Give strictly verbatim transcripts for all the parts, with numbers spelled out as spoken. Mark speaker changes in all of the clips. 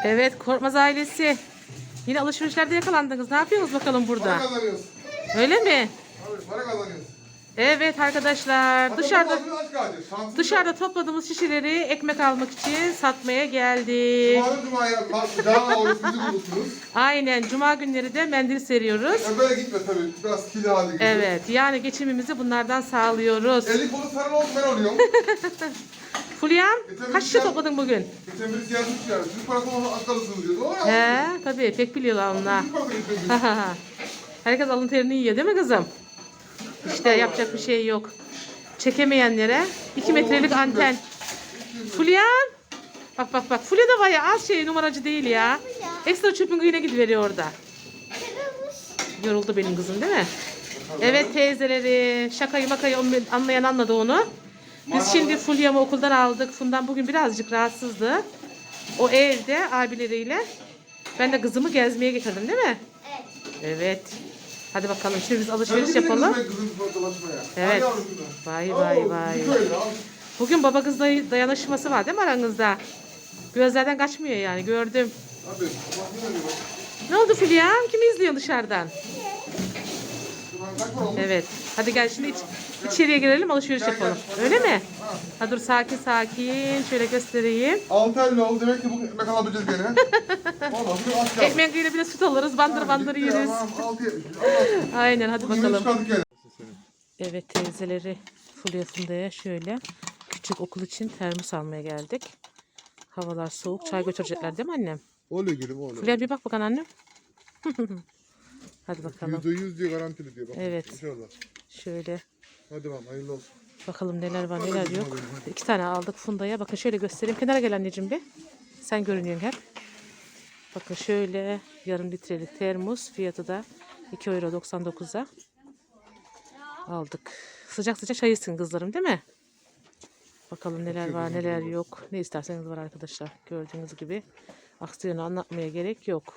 Speaker 1: Evet, Korkmaz ailesi. Yine alışverişlerde yakalandınız. Ne yapıyorsunuz bakalım burada?
Speaker 2: Para kazanıyoruz.
Speaker 1: Öyle mi?
Speaker 2: Abi para kazanıyoruz.
Speaker 1: Evet arkadaşlar,
Speaker 2: Hatta
Speaker 1: dışarıda
Speaker 2: babamın aç kaldı. Şansımız
Speaker 1: dışarıda
Speaker 2: yok.
Speaker 1: topladığımız şişeleri ekmek almak için satmaya geldik.
Speaker 2: Cuma'da Cuma'ya cana orası bizi bulursunuz.
Speaker 1: Aynen, cuma günleri de mendil seriyoruz.
Speaker 2: Ya böyle gitme tabii. Biraz kili hali gibi.
Speaker 1: Evet, yani geçimimizi bunlardan sağlıyoruz.
Speaker 2: Eli kolu sarı oldu ben oluyorum.
Speaker 1: Fulyam,
Speaker 2: Geçen
Speaker 1: kaç
Speaker 2: bir
Speaker 1: şişe
Speaker 2: şey-
Speaker 1: topladın bugün?
Speaker 2: Geçen birisi yazmış yani. Türk parası olmasa aç kalırsınız diyordu. O ya.
Speaker 1: He, tabii pek biliyorlar onlar.
Speaker 2: Türk parası getirmiş.
Speaker 1: Herkes alın terini yiyor değil mi kızım? İşte yapacak bir şey yok. Çekemeyenlere iki metrelik anten. Fulyan. Bak bak bak. Fulya da bayağı az şey numaracı değil ya. Ekstra çöpün kıyına gidiveriyor orada. Yoruldu benim kızım değil mi? Evet teyzeleri. Şakayı makayı anlayan anladı onu. Biz şimdi Fulya'mı okuldan aldık. Fundan bugün birazcık rahatsızdı. O evde abileriyle. Ben de kızımı gezmeye getirdim değil mi?
Speaker 3: Evet.
Speaker 1: Evet. Hadi bakalım şimdi biz alışveriş
Speaker 2: Sen de
Speaker 1: yapalım.
Speaker 2: gidin kızım dolaşmaya.
Speaker 1: Evet.
Speaker 2: Hadi yavrum kızım.
Speaker 1: Vay
Speaker 2: Oo,
Speaker 1: vay vay.
Speaker 2: bir böyle al.
Speaker 1: Bugün baba kız day- dayanışması var değil mi aranızda? Gözlerden kaçmıyor yani gördüm.
Speaker 2: Abi bak ne oluyor?
Speaker 1: Ne oldu Filyam? Kimi izliyorsun dışarıdan?
Speaker 2: Şuradan kaç para olmuş?
Speaker 1: Evet. Hadi gel şimdi iç- içeriye girelim alışveriş
Speaker 2: Gel,
Speaker 1: yapalım.
Speaker 2: gel.
Speaker 1: Öyle mi?
Speaker 2: Ha.
Speaker 1: Ha dur sakin sakin. Şöyle göstereyim.
Speaker 2: Altı elli oldu. Demek ki bugün ekmek alabileceğiz gene. Valla bugün aç kaldık.
Speaker 1: Ekmeğiyle bile süt alırız. Bandır bandır
Speaker 2: Gitti ya,
Speaker 1: yeriz.
Speaker 2: tamam, altı yetmiş. Allah.
Speaker 1: Aynen hadi
Speaker 2: Bugün
Speaker 1: bakalım.
Speaker 2: çıkardık gene.
Speaker 1: Evet teyzeleri Fulya Funda'ya şöyle küçük okul için termos almaya geldik. Havalar soğuk. Çay götürecekler değil mi annem?
Speaker 2: Oluyor gülüm oluyor.
Speaker 1: Fulya bir bak bakalım annem. Hadi bakalım.
Speaker 2: Yüzde yüz diye garantili diyor. Bak,
Speaker 1: Evet.
Speaker 2: İnşallah.
Speaker 1: Şöyle
Speaker 2: Hadi bakalım hayırlı olsun.
Speaker 1: bakalım neler var neler yok. İki tane aldık Funda'ya. Bakın şöyle göstereyim. Kenara gel anneciğim bir. Sen görünüyorsun hep. Bakın şöyle yarım litrelik termos. Fiyatı da iki euro doksan dokuza aldık. Sıcak sıcak çay içsin kızlarım değil mi? Bakalım neler var neler yok. Ne isterseniz var arkadaşlar. Gördüğünüz gibi aksiyonu anlatmaya gerek yok.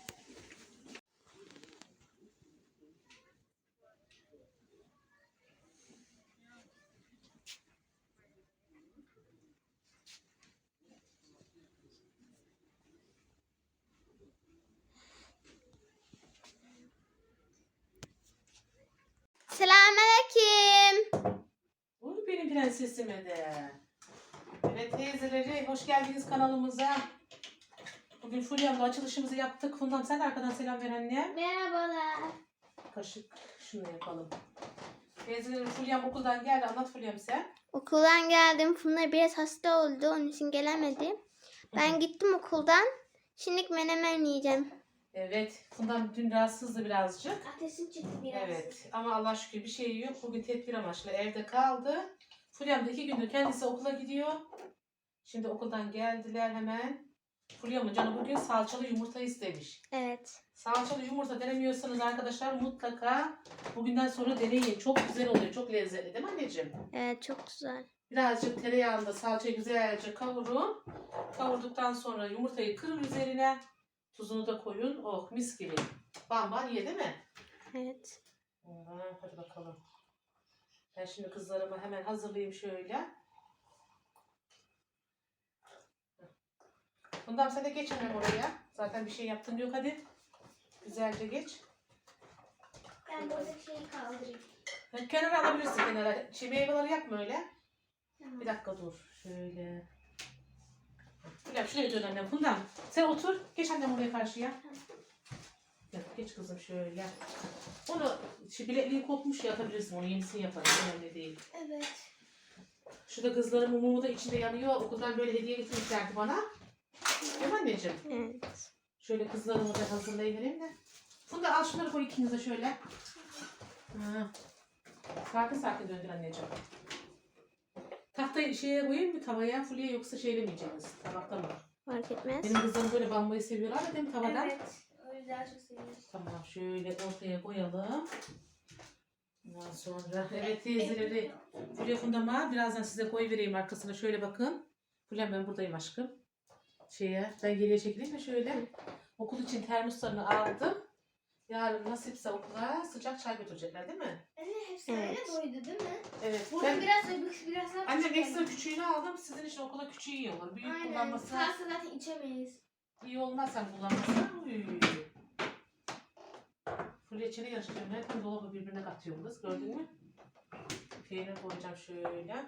Speaker 3: Selamünaleyküm.
Speaker 1: Uy benim prensesime de. Evet teyzeleri hoş geldiniz kanalımıza. Bugün Fulya'mla açılışımızı yaptık. Fundam sen de arkadan selam ver anne.
Speaker 3: Merhabalar.
Speaker 1: Kaşık şunu yapalım. Teyzelerim Fulya'm okuldan geldi. Anlat Fulya'm sen.
Speaker 3: Okuldan geldim. Funda biraz hasta oldu. Onun için gelemedim. Ben gittim okuldan. Şimdi menemen yiyeceğim.
Speaker 1: Evet Fundam dün rahatsızdı birazcık.
Speaker 3: Ateşim çıktı biraz.
Speaker 1: Evet ama Allah şükür bir şey yok. Bugün tedbir amaçlı evde kaldı. Fulya'm da iki gündür kendisi okula gidiyor. Şimdi okuldan geldiler hemen. Fulya'mın canı bugün salçalı yumurta istemiş.
Speaker 3: Evet.
Speaker 1: Salçalı yumurta denemiyorsanız arkadaşlar mutlaka bugünden sonra deneyin. Çok güzel oluyor. Çok lezzetli değil mi anneciğim?
Speaker 3: Evet çok güzel.
Speaker 1: Birazcık tereyağında salçayı güzelce kavurun. Kavurduktan sonra yumurtayı kırın üzerine. Tuzunu da koyun. Oh mis gibi. Bam bam ye değil mi?
Speaker 3: Evet.
Speaker 1: Ha, hadi bakalım. Ben şimdi kızlarımı hemen hazırlayayım şöyle. Bundan sen de geç hemen oraya. Zaten bir şey yaptın yok hadi. Güzelce geç.
Speaker 3: Ben burada şeyi kaldırayım.
Speaker 1: Ha, kenara alabilirsin kenara. Şey, meyveleri yapma öyle.
Speaker 3: Tamam.
Speaker 1: Bir dakika dur. Şöyle. Gel şuraya dön annem. Bundan. Sen otur. Geç annem oraya karşıya. Ya, geç kızım şöyle. Onu şey, bilekliği kopmuş ya atabilirsin. Onu yenisini yaparız. Önemli değil.
Speaker 3: Evet.
Speaker 1: Şurada kızlarımın mumu da içinde yanıyor. Okuldan böyle hediye getirmişlerdi bana. Değil mi anneciğim?
Speaker 3: Evet.
Speaker 1: Şöyle kızlarımı da hazırlayıvereyim de. Funda al şunları koy ikinize şöyle. Ha. Sakin sakin döndür anneciğim. Tahtayı şeye koyayım mı tavaya Fulya yoksa şeyle mi yiyeceğiz? Tabakta mı?
Speaker 3: Fark etmez.
Speaker 1: Benim kızlarım böyle bambayı seviyorlar da değil mi tavadan?
Speaker 3: Evet. O yüzden çok seviyorum.
Speaker 1: Tamam şöyle ortaya koyalım. Ondan sonra evet teyzeleri Fulya Fundam'a birazdan size koyuvereyim arkasına şöyle bakın. Fulya ben buradayım aşkım. Şeye ben geriye çekileyim de şöyle. Okul için termoslarını aldım. Yarın nasipse okula sıcak çay götürecekler değil mi?
Speaker 4: Anne hepsi
Speaker 3: Evet.
Speaker 4: öyle doydu değil mi?
Speaker 1: Evet.
Speaker 4: Burada
Speaker 1: Ben,
Speaker 4: biraz biraz biraz daha
Speaker 1: annem
Speaker 4: küçük
Speaker 1: ekstra
Speaker 4: geldi.
Speaker 1: küçüğünü aldım. Sizin için okula küçüğü iyi olur. Büyük
Speaker 4: Aynen.
Speaker 1: kullanması.
Speaker 4: Sağsa zaten içemeyiz.
Speaker 1: İyi olmaz sen kullanmazsan. Uy. Full reçeli yarıştırıyorum. Hep dolabı birbirine katıyorum kız. Gördün mü? Peynir koyacağım şöyle.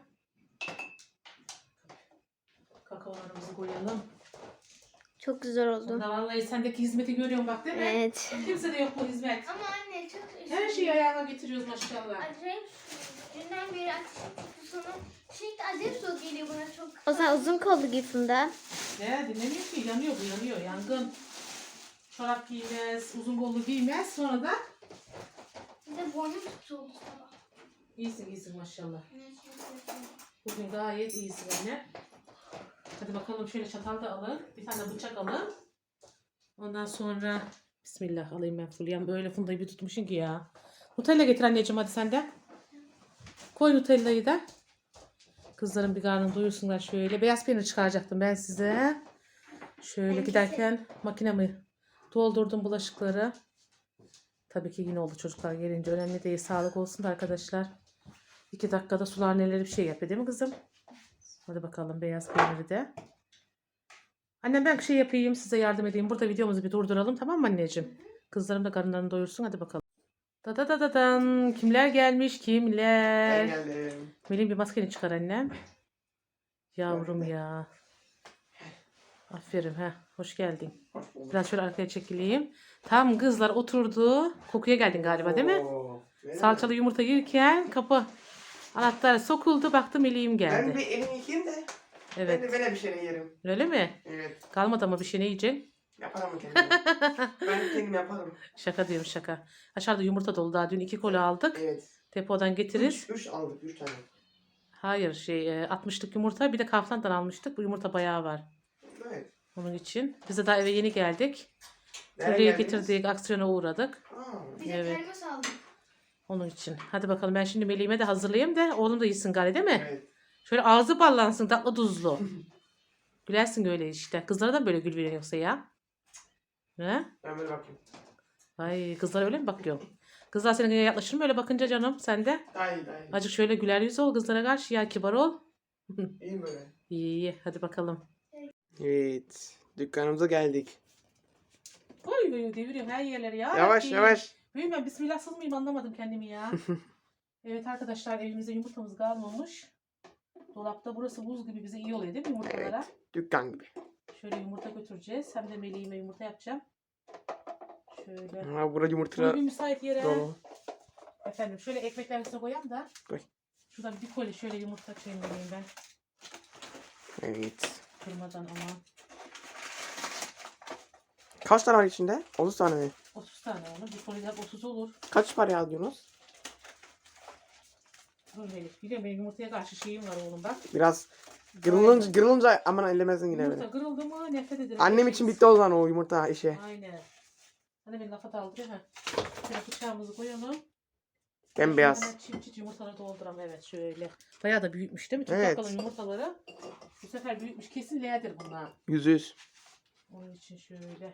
Speaker 1: Kakaolarımızı koyalım.
Speaker 3: Çok güzel oldu.
Speaker 1: Bunda vallahi sendeki hizmeti görüyorum bak değil mi?
Speaker 3: Evet.
Speaker 1: Kimse de yok bu hizmet.
Speaker 3: Ama anne çok
Speaker 1: Her şeyi ayağına getiriyoruz maşallah.
Speaker 3: acayip. Dünden beri ateşim sonra şimdi acayip soğuk geliyor bana çok. O zaman uzun kollu gibi Funda.
Speaker 1: Ne dinlemiyor ki yanıyor bu yanıyor yangın. Çorap giymez, uzun kollu giymez sonra da
Speaker 3: Bir de boynum tutuldu sabah.
Speaker 1: iyisin iyisin maşallah. Bugün gayet iyisin anne. Hadi bakalım şöyle çatal da alın. Bir tane bıçak alın. Ondan sonra bismillah alayım ben Fulya'm. Böyle Funda'yı bir tutmuşsun ki ya. Nutella getir anneciğim hadi sen de. Koy Nutella'yı da. Kızların bir karnını doyursunlar şöyle. Beyaz peynir çıkaracaktım ben size. Şöyle
Speaker 3: Ben
Speaker 1: giderken makinemi doldurdum bulaşıkları. Tabii ki yine oldu çocuklar gelince. Önemli değil. Sağlık olsun da arkadaşlar. İki dakikada sular neleri bir şey yapıyor değil mi kızım? Hadi bakalım beyaz peyniri de. Annem ben bir şey yapayım size yardım edeyim. Burada videomuzu bir durduralım tamam mı anneciğim? Kızlarım da karınlarını doyursun hadi bakalım. Da da da da dan. Kimler gelmiş kimler?
Speaker 2: Ben geldim.
Speaker 1: Melin bir maskeni çıkar annem. Yavrum ya. Aferin ha. Hoş geldin.
Speaker 2: Hoş bulduk.
Speaker 1: Biraz şöyle arkaya çekileyim. Tam kızlar oturdu. Kokuya geldin galiba değil mi?
Speaker 2: Oo, öyle mi?
Speaker 1: Salçalı yumurta yerken kapı anahtarı sokuldu. Baktım Melih'im
Speaker 2: Ben
Speaker 1: geldi.
Speaker 2: bir elimi yıkayayım da. Ben
Speaker 1: Evet.
Speaker 2: de böyle bir şey yerim.
Speaker 1: Öyle mi?
Speaker 2: Evet.
Speaker 1: Kalmadı ama bir şey ne yiyeceksin?
Speaker 2: Yaparım kendim. Ben kendim yaparım.
Speaker 1: Şaka diyorum şaka. Aşağıda yumurta dolu daha. Dün iki koli aldık.
Speaker 2: Evet.
Speaker 1: Depodan getiririz.
Speaker 2: Üç, üç aldık. Üç tane.
Speaker 1: Hayır şey altmışlık yumurta bir de Kaufland'dan almıştık. Bu yumurta bayağı var.
Speaker 2: Evet.
Speaker 1: Onun için. Biz de daha eve yeni geldik.
Speaker 2: Nereye
Speaker 1: Buraya
Speaker 2: geldiniz?
Speaker 1: getirdik. Aksiyona uğradık.
Speaker 2: Aa,
Speaker 3: Bir de
Speaker 1: Evet.
Speaker 3: termos aldım.
Speaker 1: Onun için. Hadi bakalım ben şimdi Melih'ime de hazırlayayım da oğlum da yesin gari değil mi?
Speaker 2: evet.
Speaker 1: Şöyle ağzı ballansın tatlı tuzlu. Gülersin öyle işte. Kızlara da böyle gül veriyor yoksa ya. He?
Speaker 2: Ben böyle bakayım.
Speaker 1: Ay kızlar öyle mi bakıyor? Kızlar senin yaklaşır mı öyle bakınca canım sen de?
Speaker 2: Daha iyi daha iyi.
Speaker 1: Acık şöyle güler yüz ol kızlara karşı ya kibar ol.
Speaker 2: İyi mi böyle?
Speaker 1: İyi iyi hadi bakalım.
Speaker 2: Evet. Dükkanımıza geldik.
Speaker 1: Oy oy deviriyorum her yerleri ya.
Speaker 2: Yavaş
Speaker 1: Rabbi.
Speaker 2: yavaş.
Speaker 1: Büyüm ben bismillahsız mıyım anlamadım kendimi ya. Evet arkadaşlar evimizde yumurtamız kalmamış. Dolapta burası buz gibi bize iyi oluyor değil mi yumurtalara?
Speaker 2: Dükkan gibi.
Speaker 1: Şöyle yumurta götüreceğiz. Hem de Melih'ime yumurta yapacağım. Şöyle.
Speaker 2: Ha, burada
Speaker 1: Şöyle
Speaker 2: yumurta
Speaker 1: bir müsait yere.
Speaker 2: dolu.
Speaker 1: Efendim şöyle ekmekler üstüne koyayım da.
Speaker 2: Koy.
Speaker 1: Şuradan bir koli şöyle yumurta çevireyim ben.
Speaker 2: Evet.
Speaker 1: Kırmadan aman.
Speaker 2: Kaç tane var içinde? otuz tane mi?
Speaker 1: otuz tane olur. Bir koliden otuz olur.
Speaker 2: Kaç para alıyorsunuz?
Speaker 1: Dur Melih. Biliyorum benim yumurtaya karşı şeyim var oğlum bak.
Speaker 2: Biraz kırılınca, kırılınca aman ellemezsin yine
Speaker 1: Yumurta
Speaker 2: beni.
Speaker 1: kırıldı mı nefret ederim.
Speaker 2: Annem için bitti o zaman o yumurta işi.
Speaker 1: Aynen. Hadi beni lafa daldı ha. Şöyle bıçağımızı koyalım.
Speaker 2: Bembeyaz.
Speaker 1: Şöyle çift çift yumurtaları dolduram evet şöyle. Bayağı da büyütmüş değil mi? Çok
Speaker 2: Evet.
Speaker 1: bakalım yumurtaları. Bu sefer büyütmüş. Kesin L'dir bunlar.
Speaker 2: Yüz yüz.
Speaker 1: Onun için şöyle.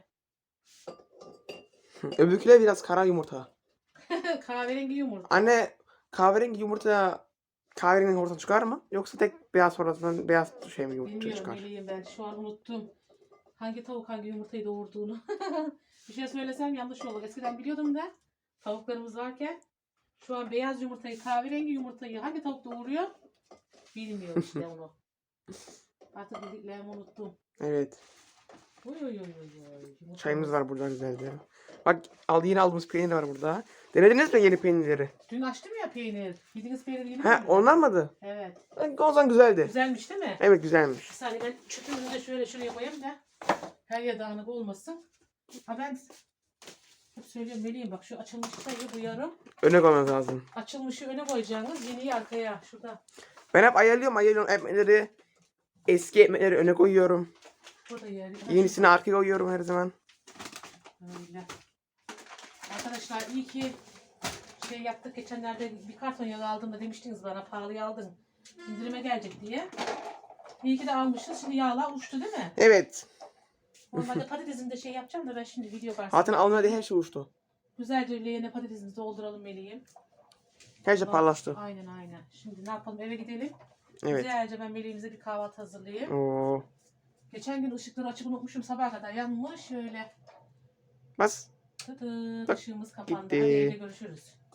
Speaker 2: Öbürküler biraz kara yumurta.
Speaker 1: Kahverengi yumurta.
Speaker 2: Anne kahverengi yumurta kahverengi yumurta çıkar mı? Yoksa tek beyaz sonrasından beyaz şey mi yumurta
Speaker 1: Bilmiyorum
Speaker 2: çıkar?
Speaker 1: Melih'im ben. Şu an unuttum. Hangi tavuk hangi yumurtayı doğurduğunu. Bir şey söylesem yanlış olur. Eskiden biliyordum da tavuklarımız varken şu an beyaz yumurtayı, kahverengi yumurtayı hangi tavuk doğuruyor bilmiyorum işte onu. Artık bildiklerimi unuttum.
Speaker 2: Evet.
Speaker 1: Oy oy oy oy oy. Yumurtamız-
Speaker 2: Çayımız var burada güzelce. Bak al yeni aldığımız peynir var burada. Denediniz mi yeni peynirleri?
Speaker 1: Dün açtım ya peynir. Yediğiniz peynir yeni
Speaker 2: He
Speaker 1: mi?
Speaker 2: onlar mıydı?
Speaker 1: Evet.
Speaker 2: O zaman güzeldi.
Speaker 1: Güzelmiş değil mi?
Speaker 2: Evet güzelmiş.
Speaker 1: Bir saniye ben çöpümüzü de şöyle şuraya koyayım da her yer dağınık olmasın. Ha ben hep söylüyorum Melih'im bak şu açılmış sayı bu yarım.
Speaker 2: Öne koymanız lazım.
Speaker 1: Açılmışı öne koyacaksınız. Yeniyi arkaya. Şurada.
Speaker 2: Ben hep ayarlıyorum ayarlıyorum ekmekleri. Eski ekmekleri öne koyuyorum.
Speaker 1: Burada yer.
Speaker 2: Yenisini arkaya koyuyorum her zaman.
Speaker 1: Öyle. Arkadaşlar iyi ki şey yaptık. Geçenlerde bir karton yağı aldım da demiştiniz bana pahalıya aldın. İndirime gelecek diye. İyi ki de almışız. Şimdi yağlar uçtu değil mi?
Speaker 2: Evet.
Speaker 1: Normalde patatesini de şey yapacağım da ben şimdi video var.
Speaker 2: Zaten almadı her şey uçtu.
Speaker 1: Güzelce leğene patatesimizi dolduralım Melih'im.
Speaker 2: Her şey parlaştı.
Speaker 1: Aynen aynen. Şimdi ne yapalım eve gidelim.
Speaker 2: Evet.
Speaker 1: Güzelce ben Melih'imize bir kahvaltı hazırlayayım.
Speaker 2: Oo.
Speaker 1: Geçen gün ışıkları açık unutmuşum, sabaha kadar yanmış. Şöyle
Speaker 2: Bas.
Speaker 1: tıtı
Speaker 2: Bak,
Speaker 1: ışığımız kapandı.
Speaker 2: gitti.
Speaker 1: Hadi evde görüşürüz.